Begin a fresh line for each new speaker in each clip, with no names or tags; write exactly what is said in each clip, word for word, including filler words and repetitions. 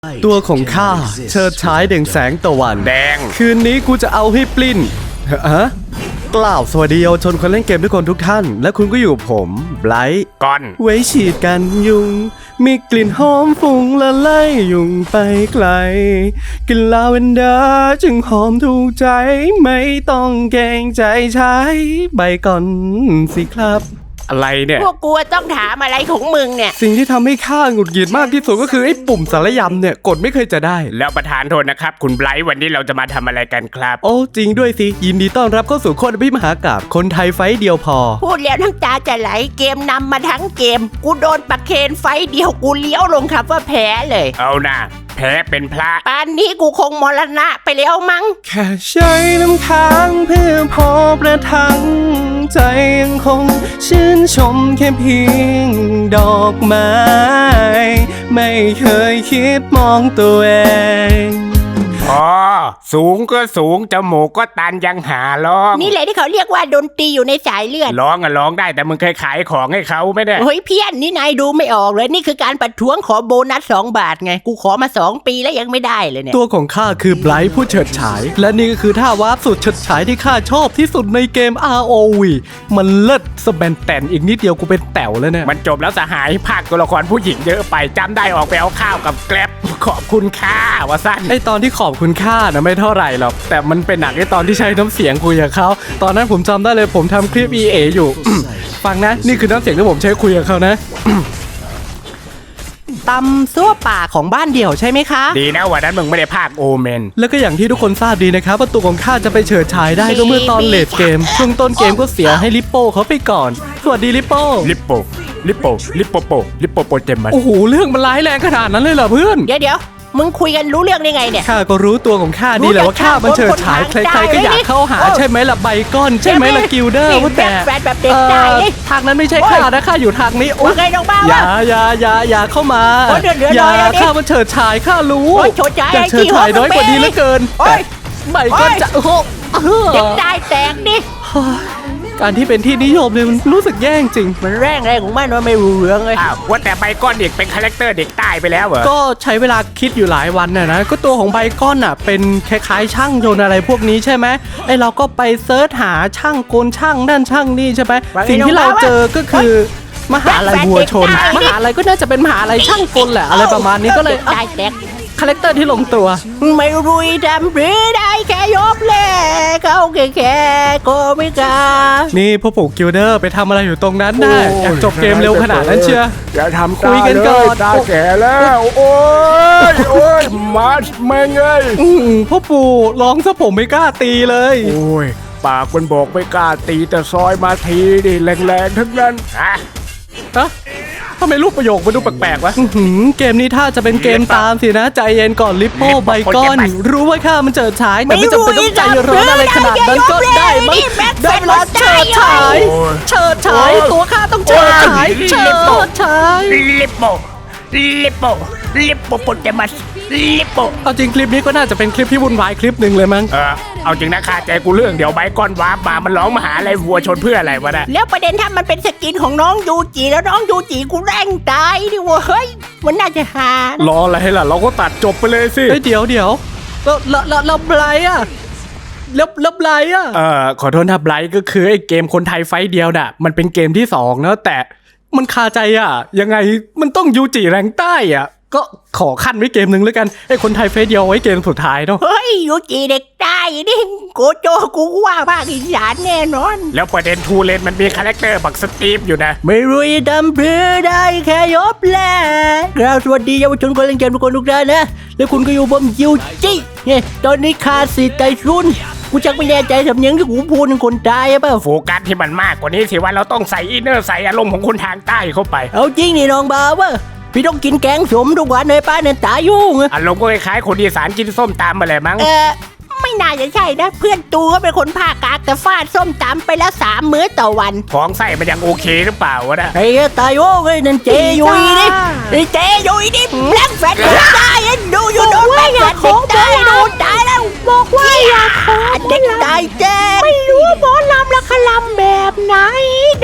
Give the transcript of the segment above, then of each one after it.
ตัวของข้าเชิดฉายเด่งแสงตะวันแดงคืนนี้กูจะเอาให้ปลิ้นฮะกล่าวสวัสดีเยาวชนคนเล่นเกมทุกคนทุกท่านและคุณก็อยู่ผมไบรท์ก่อนไว้ฉีดกันยุงมีกลิ่นหอมฟุ้งละไล่ยุงไปไกลกลิ่นลาเวนเดอร์จึงหอมถูกใจไม่ต้องเกรงใจใช้ใบก่อนสิครับอะไรเนี่ย
พวกกูต้องถามอะไรของมึงเนี่ย
สิ่งที่ทำให้ข้าหงุดหงิดมากที่สุดก็คือไอ้ปุ่มสารยำเนี่ยกดไม่เคยจะได้
แล้วประธานโทษนะครับคุณไบรท์วันนี้เราจะมาทำอะไรกันครับ
โอ้จริงด้วยสิยินดีต้อนรับเข้าสู่โคตรพิมหากาพย์คนไทยไฟเดียวพอ
พูดแล้วทั้งตาจะไหลเกมนำมาทั้งเกมกูโดนปักเคนไฟเดียวกูเลี้ยวลงครับว่าแพ้เลย
เอานะแพ้เป็นพระ
ป่านนี้กูคงมรณะไปแล้วมั้ง
แค่ใช้น้ำค้างเพื่อพอประทังใจยังคงชื่นชมแค่เพียงดอกไม้ไม่เคยคิดมองตัวเอง
อ๋อสูงก็สูงจมูกก็ตันยังหาร้อง
นี่แหละที่เขาเรียกว่าดนตรีอยู่ในสายเลือด
ร้องอะร้องได้แต่มึงเคยขายของให้เขาไม่ได้
เฮ้ยเพี้ยนนี่นายดูไม่ออกเลยนี่คือการประท้วงขอโบนัสสองบาทไงกูขอมาสองปีแล้วยังไม่ได้เลยเนี่ย
ตัวของข้าคือไบรท์ผู้เฉิดฉายและนี่ก็คือท่าวาร์ปสุดเฉิดฉายที่ข้าชอบที่สุดในเกม อาร์ โอ วี มันเลิศสแบนแตนอีกนิดเดียวกูเป็นแต๋วแล้วเนี่ย
มันจบแล้วสหายภาคตัวละครผู้หญิงเยอะไปจำได้ออกไปเอาข้าวกับแกร็บขอบคุณค่าวะสั้น
ไอตอนที่ขอบคุณค่านะไม่เท่าไหร่หรอกแต่มันเป็นหนักไอตอนที่ใช้น้ำเสียงคุยกับเขาตอนนั้นผมจำได้เลยผมทำคลิป อี เอ อยู่ ฟังนะนี่คือน้ำเสียงที่ผมใช้คุยกับเขานะตำซั่วป่าของบ้านเดี่ยวใช่ไหมคะ
ดีนะวันนั้นมึงไม่ได้ภาคโอเมน
แล้วก็อย่างที่ทุกคนทราบดีนะครับว่าตัวของข้าจะไปเฉิดฉายได้ก็เมื่อตอนเลดเกมช่วงต้นเกมก็เสียให้ลิปโป้เขาไปก่อนสวัสดีลิปโป้
ลิปโป้ลิปโป้ลิปโปโปลิปโปโปเจมัส
โอ้โหเรื่องมันร้ายแรงขนาดนั้นเลยเหรอเพื่อน
เดี๋ยวเดี๋ยวมึงคุยกันรู้เรื่องได้ไงเนี่ย
ข้าก็รู้ตัวของข้าดีแหละว่าข้ามันเฉิดฉายใครๆก็อยากเข้าหาใช่ไหมล่ะไบก้อนใช่ไหมล่ะกิลเดอร์ว่าแต่ทางนั้นไม่ใช่ข้านะข้าอยู่ทางนี้
โอ้ย
อย่าอย่าอย่าอย่าเข้ามาอย่าข้ามันเฉิดฉายข้ารู้
อยาก
เฉิดฉายน้อยกว่านี้เหลือเกินแต่ไบก้อนจะโอ้โห
เด็กได้แตกดิ
การที่เป็นที่นิยมเลยมันรู้สึกแย่จริง
มันแรงแรงของมันว่าไม่รู้เรื่องเลย
อ้าวว่าแต่ไบก้อนเด็กเป็นคาแรคเตอร์เด็กตายไปแล้วเหรอ
ก็ใช้เวลาคิดอยู่หลายวันน่ะนะก็ตัวของไบก้อนอ่ะเป็นคล้ายๆช่างยนต์อะไรพวกนี้ใช่ไหมไอเราก็ไปเซิร์ชหาช่างโกนช่างนั่นช่างนี่ใช่ไหมสิ่งที่เราเจอก็คือมหาลัยวัวชนมหาลัยก็น่าจะเป็นมหาลัยช่างกลแหละอะไรประมาณนี้ก็เลย
ได้แตก
คาแรคเตอร์ที่ลงตัว
ไม่รู้ดำหรือได้แค่ยบเล่เขาแค่แค่ก็ไม่กล้า
นี่พ่อปู่กิลเดอร์ไปทำอะไรอยู่ตรงนั้นน่ะอยากจบเกมเร็วขนาดนั้นเชียว
อย่าทำคุยกันก่อนตาแก่แล้วโอ้ยโอ้ยมาสแม่งเอ้ย
พ่อปู่ร้องซะผมไม่กล้าตีเลย
โอ้ยปากมันบอกไม่กล้าตีแต่ซอยมาทีดิแรงๆทั้งนั้นฮะ
ฮะทำไมรูปประโยคมันดูแปลกๆวะเกมนี้ถ้าจะเป็นเกมตามสินะใจเย็นก่อนลิปโป้ไบก้อนรู้ว่าข้ามันเจิดฉายแต่ไม่จำเป็นต้องใจร้อนอะไรขนาดนั้นก็ได้มั้งได้เวลาเฉิดฉายเฉิดฉายตัวข้าต้องเฉิดฉายเฉิดฉาย
ลิปโป้ลิปโป้ลิปโปโปเจมัสลิปโป้
เอาจริงคลิปนี้ก็น่าจะเป็นคลิปที่วุ่นวายคลิปหนึ่งเลยมั้ง
เออเอาจริงนะคาใจกูเรื่องเดี๋ยวไบก้อนวาร์ปมามันร้องมาหาอะไรวัวชนเพื่ออะไรวะเนี่ย
แล้วประเด็นถ้ามันเป็นสกินของน้องยูจิแล้วน้องยูจิกูแรงตายดิวะเฮ้ยมันน่าจะหาร
ออะไรล่ะเราก็ตัดจบไปเลยสิเดี๋ยวเดี๋ยวเราเราเราเราไบรท์อะแล้วแล้วไบรท์อะเออขอโทษนะไบรท์ก็คือไอ้เกมคนไทยไฟเดียวน่ะมันเป็นเกมที่สองนะแต่มันคาใจอ่ะยังไงมันต้องยูจิแรงใต้อ่ะก็ขอขั้นไว้เกมหนึ่งแล้วกันไอ้คนไทยเฟสเดียวไว้เกมสุดท้ายเนาะ
เฮ้ยยูจิเด็กใต้นี่โกโจกูว่าภาคอีสานแน่นอน
แล้วประเด็นทูเลนมันมีคาแรคเตอร์บักสตีฟอยู่นะ
ไม่รู้ดำเพื่อได้แค่ยบแลกราบสวัสดีเยาวชนคนเล่นเกมทุกคนทุกท่านนะแล้วคุณก็อยู่บนยูจิเนี่ยตอนนี้คาสิใจรุ่นกูจักไม่แน่ใจสำเนียงที่กูพูดเป็นคนใต้เปล่า
โฟกัสที่มันมากกว่านี้สิว่าเราต้องใส่อินเนอร์ใส่อารมณ์ของคนทางใต้เข้าไป
เอาจริงนี่น้องบ่าวว่าพี่ต้องกินแกงสมทุกวันในป้าเนี่ยตายยุ่ง
อารมณ์ก็คล้ายๆคนอีสานกินส้มตำอะไรมั้ง
เออไม่น่าจะใช่นะเพื่อนตูก็เป็นคนภาคกลางแต่ฟาดส้มตำไปแล้วสามมื้อต่อวัน
ท้องไส้มันยังโอเคหรือเปล่าวะนะ
ไอ้ตายโอ้ยนั่นเจยุยดิไอ้เจยุยดิแบล็คแฟนเด็กตายดูอยู่โดนแบล็คแฟนเด็กตายดูตายแล้วบอกว่าอยากขอเด็กตายเจไม่รู้หมอลำละคลำแบบไหนโด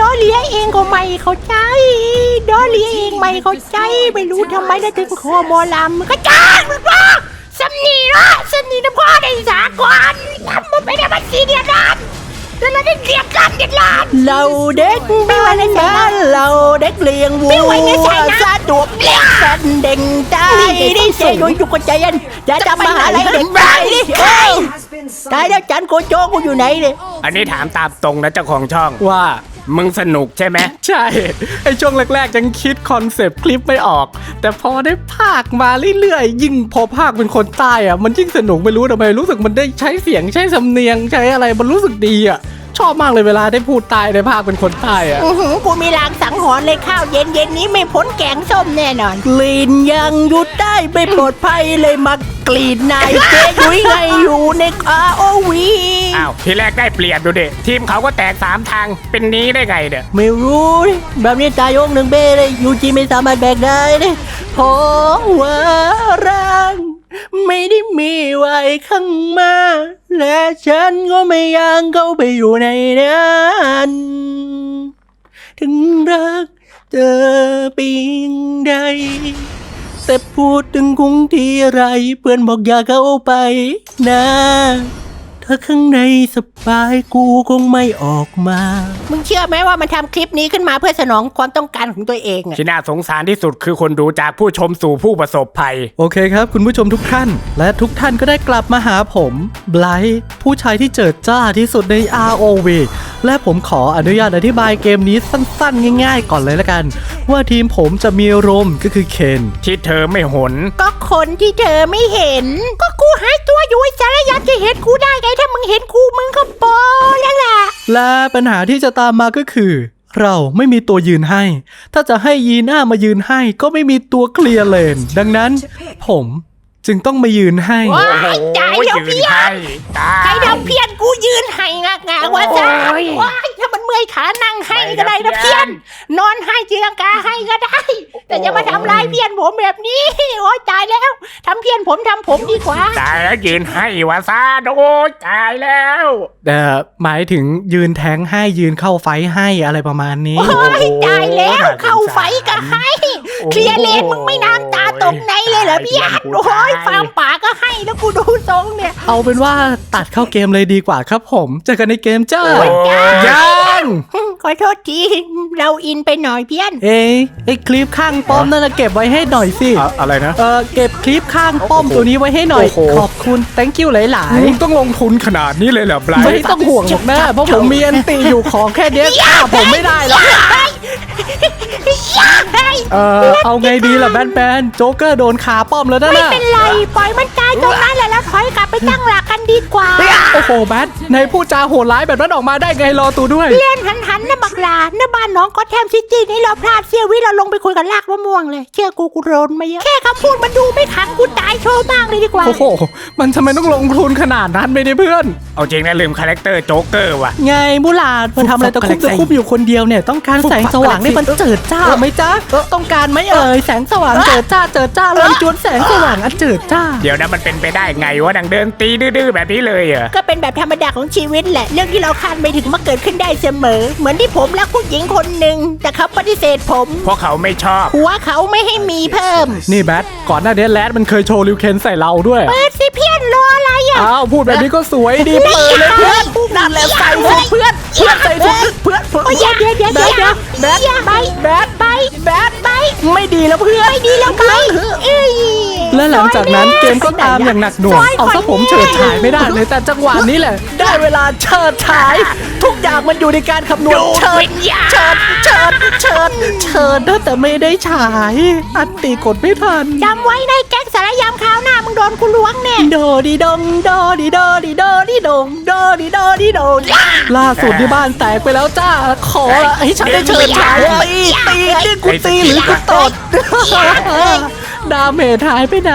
อเลียเองก็ไม่เข้าใจดอเลียเองไม่เข้าใจไม่รู้ทำไมได้ถึงคอหมอลำก็จ้างมันว่าสำนีเนาะสำนีนะพ่อได้สากลลำมันไม่ได้มาสีเดียดร้านแต่เราได้เรียกกันเดียดร้านเราเด็กไม่ไหวในใจนะเราเด็กเลี้ยงวัวไม่ไหวในใจนะซาดวกเลี้ยงสันเด่งใจได้เสียโดยยุกใจยันจะจำมาหาอะไรเด็กไปดิตายแล้วจันโกโจกูอยู่ไหนเนี่ย
อันนี้ถามตามตรงนะเจ้าของช่อง
ว่า
มึงสนุกใช่ไหม
ใช่ ไอช่วงแรกๆยังคิดคอนเซปต์คลิปไม่ออก แต่พอได้ภาคมาเรื่อยๆ ยิ่งพอภาคเป็นคนใต้อะมันยิ่งสนุกไม่รู้ทำไมรู้สึกมันได้ใช้เสียงใช้สำเนียงใช้อะไรมันรู้สึกดีอะชอบมากเลยเวลาได้พูดใต้ในภาคเป็นคนใต้อะ
อื้อหือกูมีลางสังหรณ์เลยข้าวเย็นเย็นนี้ไม่พ้นแกงส้มแน่นอน กลิ่นยังหยุดได้ไม่ปลอดภัยเลยมากลิ่นนายเจ๊ยุ้ยไงอยู่ในอาโอวี
อ้าวทีแรกได้เปลี่ยนดูดิทีมเขาก็แตกสามทางเป็นนี้ได้ไงเนี่ย
ไม่รู้ดิแบบนี้ตายงหนึ่งเบ้เลยยูจีไม่สามารถแบกได้เลยเพราะว่าร่างไม่ได้มีไว้ข้างมาและฉันก็ไม่อยากเข้าไปอยู่ในนั้นถึงรักเธอเปียงใดแต่พูดถึงคงที่ไรเพื่อนบอกอย่าเข้าไปนะถ้าข้างในสบายกูคงไม่ออกมา มึงเชื่อไหมว่ามันทำคลิปนี้ขึ้นมาเพื่อสนองความต้องการของตัวเองอะ
ที่น่าสงสารที่สุดคือคนดูจากผู้ชมสู่ผู้ประสบภัย
โอเคครับคุณผู้ชมทุกท่าน และทุกท่านก็ได้กลับมาหาผมไบรท์ผู้ชายที่เจิดจ้าที่สุดใน อาร์ โอ วี และผมขออนุญาตอธิบายเกมนี้สั้นๆง่ายๆก่อนเลยละกัน ว่าทีมผมจะมีโรมก็คือเคน
ที่เธอไม่หน
ก็คนที่เธอไม่เห็น ก็กูหายตัวอยู่ไอ้สารยันจะเห็นกูได้ไงถ้ามึงเห็นกูมึงก็โปแล้วล่ะ
และปัญหาที่จะตามมาก็คือ เราไม่มีตัวยืนให้ ถ้าจะให้ยีน่ามายืนให้ก็ไม่มีตัวเคลียร์เลน ดังนั้น ผมจึงต้องมายืนให้
ว้ายตายแล้ว
ยื
เพี้
น
ย
ให้
น
ตา
ใคร
ย
ทำเพี้ยนกูยืนให้งากงาว่าจ้าว้ายถ้ามันเมื่อยขานั่งให้ก็ได้นะเพี้ยน นอนให้จีรังกาให้ก็ได้ แต่อย่ามาทำลายเพี้ยนผมแบบนี้โอ๊ยตายแล้วทำเพี้ยนผมทำผมดีกว่า
ตายแล้วยืนให้วาซาโดยตายแล้ว
แต่หมายถึงยืนแทงให้ยืนเข้าไฟให้อะไรประมาณนี้
โอ้ยตายแล้วเข้าไฟก็ให้เคลียร์เลนมึงไม่น้ำตาตกในเลยเหรอพี่ยัดโอ้ยฟาร์มป่าก็ให้แล้วกูดูทรงเนี่ย
เอาเป็นว่าตัดเข้าเกมเลยดีกว่าครับผมเจอกันในเกมจ้า
โอ้ย
ยัง
ขอโทษทีเราอินไปหน่อยเพี้ยน
เอ้ยไอคลิปข้างป้อมนั่นนะเก็บไว้ให้หน่อยสิ
อะอะไรนะ
เออเก็บคลิปข้างป้อมตัวนี้ไว้ให้หน่อย
โอ้โห
ขอบคุณ thank you หลาย
มึงต้องลงทุนขนาดนี้เลยเหรอไบร
ๆ ไม่
ท์
ต้องห่วงหรอกนะเพราะผมมีอันตีอยู่ของแค่เนี้ยฆ่าผมไม่ได้หรอกเออเอาไงดีล่ะแบนแบนโจ๊กเกอร์โดนขาป้อมแล้วนะ
ไม่
น่ะ
เป็นไรปล่อยมันตายตรงนั้นแหละแล้วถอยกลับไปตั้งหลักกันดีกว่า
โอ้โหแบนในพูดจาโหดร้ายแบบนั้นออกมาได้ไงรอตูด้วย
เล่นหันหันๆนะบักลาหน้าบ้านน้องก็แทมซิตี้นี่เราพลาดเสี้ยววิเราลงไปคุยกับลากมะม่วงเลยเชื่อกูกูโดนมาเยอะแค่คำพูดมันดูไม่ขังกูตายโชว์มากเลยดีกว่า
โอ้โหมันทำไมต้องลงทุนขนาดนั้นไม่ได้เพื่อน
เอาจริงนะลืมคาแรคเตอร์โจ๊กเกอร์ว่ะ
ไงบุหลาดมันทำอะไรตะคุบตะคุบอยู่คนเดียวเนี่ยต้องการแสงสว่างให้มันเจิดจ้าไหมจ๊ะต้องการไหมเอ่ยแสงสว่างเจิดจ้าเจิดจ้าลำจวนแสงสว่างอันเจิดจ้า
เดี๋ยวนะมันเป็นไปได้ไงวะดังเดินตีดื้อๆแบบนี้เลยเหรอ
ก็เป็นแบบธรรมดาของชีวิตแหละเรื่องที่เราคาดไม่ถึงมาเกิดขึ้นได้เสมอ เหมือนที่ผมรักผู้หญิงคนหนึ่งแต่เขาปฏิเสธผม
เพราะเขาไม่ชอบ
หัวเขาไม่ให้มีเพิ่ม
นี่แบทก่อนหน้านี้แรดมันเคยโชว์ริวเคนใส่เราด้วย
เปิดสิเพี้ยนรออะไรอ่ะ
อ้าวพูดแบบนี้ก็สวยดีเปิดเลยเพื่อนนั่นแหละใส่สุดเพื่อนเพื่อนใส่สุดเพื่อนเพื่อน
โอ้ยเดี๋ยวเดี๋ยวเดี๋ยวเดี๋ยวเดี๋ยว
แบท
ไป
แบท
ไปแบดไป
ไม่ดีแล้วเพื่อน
ไม่ดีแล้วไปเอ้ย
และหลังจากนั้นเกมก็ตามอย่างหนักหน่วงเอาซะผมเฉิดฉายไม่ได้เลยแต่จังหวะนี้แหละ ได้เวลาเฉิดฉาย ทุกอย่างมันอยู่ในการคำนวณเฉิดเฉิดเฉิดเฉิดเฉิดนะแต่ไม่ได้ฉาย อันตีกดไม่ทัน
จำไว้ในแก๊งสารยามคราวหน้ามึงโดนกูล้วงแน่
โดดีดงโดดีโดดีโดดีดงโดดีโดดีโดล่าสุดที่บ้านแตกไปแล้วจ้า ขอละให้ฉันได้เฉิดฉายตีตีนี่กูตีหรือกูตดดาเมจหายไปไหน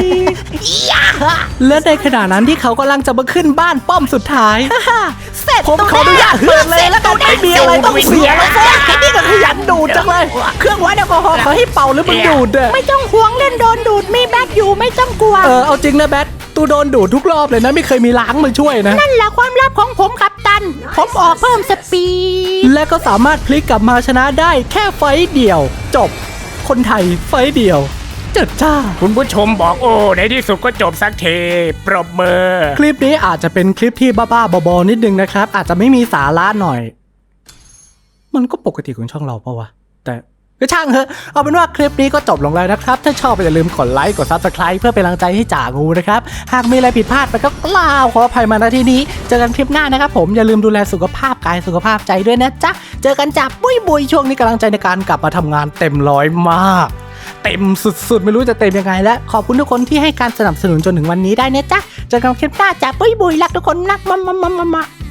และในขณะนั้นที่เขากำลังจะมาขึ้นบ้านป้อมสุดท้าย
เสร็จ
ผมขออนุญาตเปิดเลยแล้วกันไม่มีอะไรต้องเสียแล้วแค่แค่นี้ก็ขยันดูดจังเลย เครื่องวัดแอลกอฮอล์เขาให้เป่าหรือมึงดูดอะ
ไม่ต้องห่วงเล่นโดนดูดมีแบดอยู่ไม่ต้องกลัว
เออเอาจริงนะแบทตู
กูโดนดูดทุกรอบเลยนะไม่เคยมีล้างมาช่วยนะ
นั่นแหละความลับของผมครับตัน ผมออกเพิ่มสปีด
และก็สามารถพลิกกลับมาชนะได้แค่ไฟต์เดียว จบ คนไทยไฟต์เดียวเจิดจ้า
คุณผู้ชมบอกโอ้ในที่สุดก็จบสักทีปรบมือ
คลิปนี้อาจจะเป็นคลิปที่บ้าๆบอๆนิดนึงนะครับ อาจจะไม่มีสาระหน่อย มันก็ปกติของช่องเราปะวะ แต่ก็ช่างเถอะเอาเป็นว่าคลิปนี้ก็จบลงแล้วนะครับ ถ้าชอบอย่าลืมกดไลค์กด ซับสไครบ์ เพื่อเป็นกำลังใจให้จ่างูนะครับ หากมีอะไรผิดพลาดไปก็กล่าวขออภัยมาณที่นี้ เจอกันคลิปหน้านะครับผมอย่าลืมดูแลสุขภาพกายสุขภาพใจด้วยนะจ๊ะเจอกันจ้ะบุยบุยช่วงนี้กำลังใจในการกลับมาทำงานเต็มร้อยมาก เต็มสุดๆไม่รู้จะเต็มยังไงแล้วขอบคุณทุกคนที่ให้การสนับสนุนจนถึงวันนี้ได้นะจ๊ะเจอกันคลิปหน้าจ้ะบุยบุยรักทุกคนรักมามามามา